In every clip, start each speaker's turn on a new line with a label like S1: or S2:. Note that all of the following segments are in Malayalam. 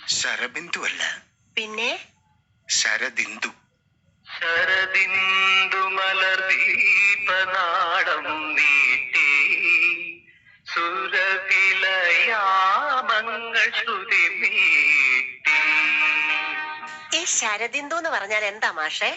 S1: ശരബിന്ദു അല്ല,
S2: പിന്നെ
S1: ശരദിന്ദു.
S3: ശരദിന്ദു മലർദീപനാടം നീട്ടി സുരവിലയാമങ്ങൾ ശ്രുതി നീട്ടി.
S2: ഈ ശരദിന്ദു എന്ന് പറഞ്ഞാൽ എന്താ മാഷേ?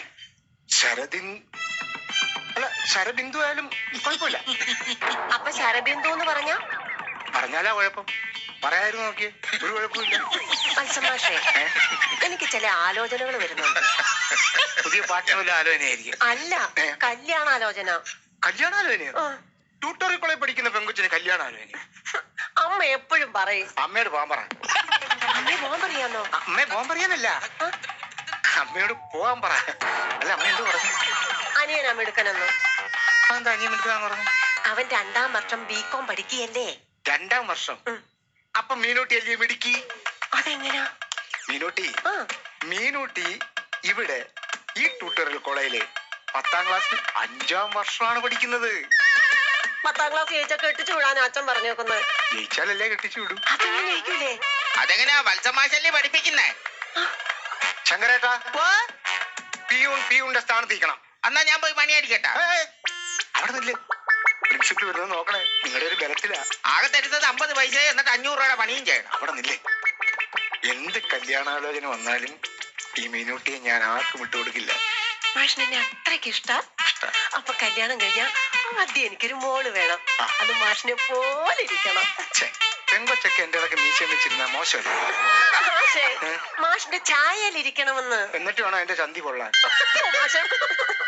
S1: അല്ല, ശരബിന്ദു ആയാലും കുഴപ്പമില്ല.
S2: അപ്പൊ ശരബിന്ദു എന്ന്
S1: പറഞ്ഞാലാ കുഴപ്പം. പറയായിരുന്നു നോക്കിയേ, ഒരു കുഴപ്പമില്ല.
S2: മാഷേ, എനിക്ക് ചില ആലോചനകൾ വരുന്നുണ്ട്.
S1: പുതിയ പാട്ടിനുള്ള ആലോചനയായിരിക്കും.
S2: അല്ല, കല്യാണാലോചന.
S1: കല്യാണാലോചനയോ? ട്യൂട്ടോറിയൽ കോളേജ് പഠിക്കുന്ന പെങ്കുച്ചിന് കല്യാണാലോചന?
S2: അമ്മ എപ്പോഴും പറയും.
S1: അമ്മയോട് പോകാൻ പറ.
S2: അമ്മയെ പോകാൻ പറയാന്നോ?
S1: അമ്മയെ പോകാൻ പറയാനല്ല, അമ്മയോട് പോകാൻ പറ. അല്ല, അമ്മ എന്ത് പറഞ്ഞു?
S2: അനിയനാ മിടുക്കനെന്നോ?
S1: എന്താ അനിയൻ മിടുക്കാന്ന് പറഞ്ഞു?
S2: അവൻ 2ാം വർഷം ബികോം പഠിക്കുകയല്ലേ.
S1: 2ാം വർഷം? അപ്പൊ മീനൂട്ടി അല്ലേ മിടുക്കി?
S2: അതെങ്ങനാ?
S1: മീനൂട്ടി ഇവിടെ ഈ ട്യൂട്ടോറിയൽ കോളേജില് 10ാം ക്ലാസ്സിൽ 5ാം വർഷമാണ് പഠിക്കുന്നത്.
S2: 10ാം ക്ലാസ് ജയിച്ചാ കെട്ടിച്ചു വിടാൻ അച്ഛൻ പറഞ്ഞേക്കുന്നത്.
S1: ജയിച്ചാലല്ലേ കെട്ടിച്ചു വിടും.
S2: അതെങ്ങനെ ജയിക്കൂലേ?
S3: അതെങ്ങനെയാ വത്സമാശല്ലേ പഠിപ്പിക്കുന്നേ?
S1: ശങ്കരേട്ടാ, പിയൂണിന്റെ സ്ഥാനത്തിരിക്കണം.
S3: എന്നാ ഞാൻ പോയി പണിയടിക്കട്ടെ.
S1: അവിടെ നില്ലേ, പ്രിൻസിപ്പൽ വരുന്നത് നോക്കണേ. നിങ്ങളുടെ ഒരു ബലത്തിലാ.
S3: ആകെ തരുന്നത് 50 പൈസ, എന്നിട്ട് 500 രൂപയുടെ പണിയും ചെയ്യണം.
S1: അവിടെ നില്ലേ. എന്ത് കല്യാണാലോചന വന്നാലും ഈ മീനൂട്ടിയെ ഞാൻ ആർക്കും വിട്ടുകൊടുക്കില്ല.
S2: മാഷിനെ അത്രയ്ക്ക് ഇഷ്ട. അപ്പൊ കല്യാണം കഴിഞ്ഞാ ആദ്യം എനിക്കൊരു മോള് വേണം. അത് മാഷിനെ പോലെ ഇരിക്കണം.
S1: പെങ്കൊച്ചൊക്കെ എന്റെ ഇടയ്ക്ക് മീശം വെച്ചിരുന്ന മോശമല്ലേ?
S2: മാഷിന്റെ ചായയിലിരിക്കണമെന്ന്.
S1: എന്നിട്ട് വേണം എന്റെ ചന്തി കൊള്ളാൻ.
S2: മാഷ